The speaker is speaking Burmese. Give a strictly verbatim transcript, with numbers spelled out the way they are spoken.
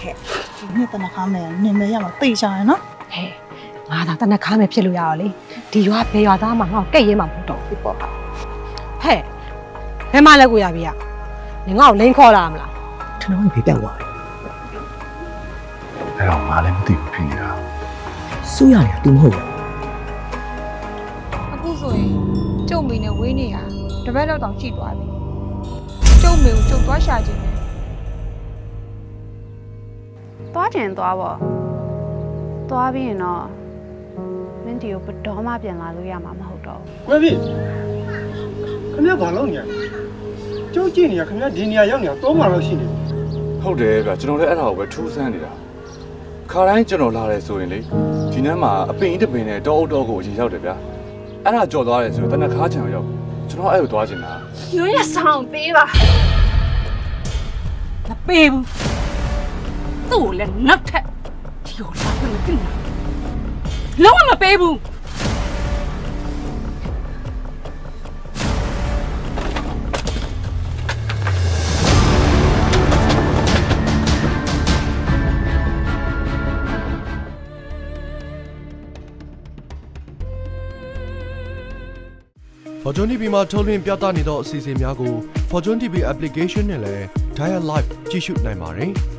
ခဲ့ဒီနေ့တနခါမယ်နင်မဲရမှာသိချင်နော်ဟဲ့ငါသာတနခါမယ်ဖြစ်လို့ရတော့လေဒီရွာဘယ်ရွာသားမှငါ့ကိုကဲ့ရဲမှာမဟုတ်တော့ဘူးပေါ့ဟဲ့ဘယ်မှလက်ကိုရပြီရနင်ငါ့ကိုလိန်ခေါ်လာမလားထနောင်းကြီးပြတ်သွားတယ်အဲ့တော့ငါလည်းမသိဘူးဖြစ်နေတာစိုးရတယ် तू မဟုတ်ဘူးအခုဆိုရင်ကျုပ်မိနဲ့ဝေးနေရတပတ်လောက်တောင်ရှိသွားပြီကျုပ်မိကိုကျုပ်သွားရှာခြင်းနဲ့သွားကျင်သွားပေါ့သွားပြီးရင်တော့မင်းတီကိုဘယ်တော့မှပြန်လာလို့ရမှာမဟုတ်တော့ကွယ်ပြီခင်ဗျာဘာလုပ်နေရလဲကျုပ်ကြည့်နေရခင်ဗျာဒီနေရာရောက်နေတာသုံးပါလောက်ရှိနေပြီဟုတ်တယ်ဗျကျွန်တော်လည်းအဲ့ဒါကိုပဲထူးဆန်းနေတာခါတိုင်းကျွန်တော်လာတယ်ဆိုရင်လေဒီနန်းမှာအပင်တစ်ပင်နဲ့တောအုပ်တောကိုအရင်ရောက်တယ်ဗျအဲ့ဒါကြော်သွားတယ်ဆိုတော့တနခါချံရောက်ကျွန်တော်အဲ့ကိုသွားချင်တာရွေးရဆောင်ပေးပါမပေးဘူးသူ့ကိုလည်းနောက်ထပ်ဒီကိုလာလို့မသိဘူးလုံးဝမပေးဘူး Fortune တီဗီ မှာထုတ်လွှင့်ပြသနေသောအစီအစဉ်များကို Fortune တီဗီ application နဲ့လည်း Dial Live ကြည့်ရှုနိုင်ပါတယ်။